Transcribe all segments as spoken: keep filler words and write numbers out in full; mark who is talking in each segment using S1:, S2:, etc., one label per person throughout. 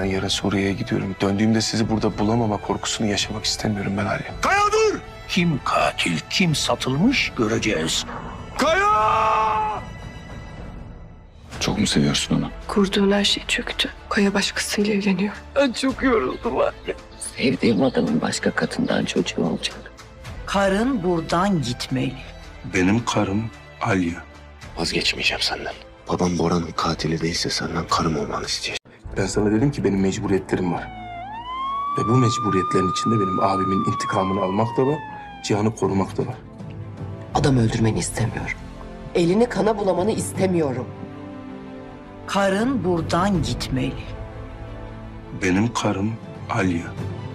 S1: Ben yarın Suriye'ye gidiyorum. Döndüğümde sizi burada bulamama korkusunu yaşamak istemiyorum ben Ali.
S2: Kaya dur!
S3: Kim katil, kim satılmış göreceğiz.
S2: Kaya!
S4: Çok mu seviyorsun onu?
S5: Kurduğun her şey çöktü. Kaya başkasıyla evleniyor. Ben çok yoruldum anne.
S6: Sevdiğim adamın başka kadından çocuğu olacak.
S7: Karın buradan gitmeli.
S1: Benim karım Alya.
S4: Vazgeçmeyeceğim senden.
S1: Babam Bora'nın katili değilse senden karım olmanı isteyeceğim. Ben sana dedim ki benim mecburiyetlerim var. Ve bu mecburiyetlerin içinde benim abimin intikamını almak da var, Cihan'ı korumak da var.
S6: Adam öldürmeni istemiyorum. Elini kana bulamanı istemiyorum.
S7: Karın buradan gitmeli.
S1: Benim karım Alya.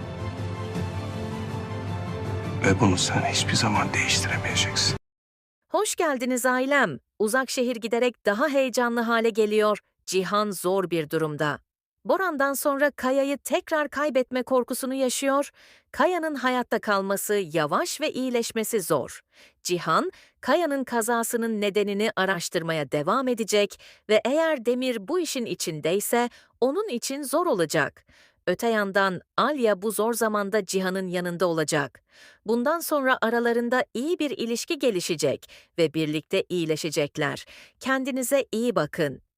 S1: Ve bunu sen hiçbir zaman değiştiremeyeceksin.
S8: Hoş geldiniz ailem. Uzak şehir giderek daha heyecanlı hale geliyor. Cihan zor bir durumda. Boran'dan sonra Kaya'yı tekrar kaybetme korkusunu yaşıyor. Kaya'nın hayatta kalması yavaş ve iyileşmesi zor. Cihan, Kaya'nın kazasının nedenini araştırmaya devam edecek ve eğer Demir bu işin içindeyse onun için zor olacak. Öte yandan Alya bu zor zamanda Cihan'ın yanında olacak. Bundan sonra aralarında iyi bir ilişki gelişecek ve birlikte iyileşecekler. Kendinize iyi bakın.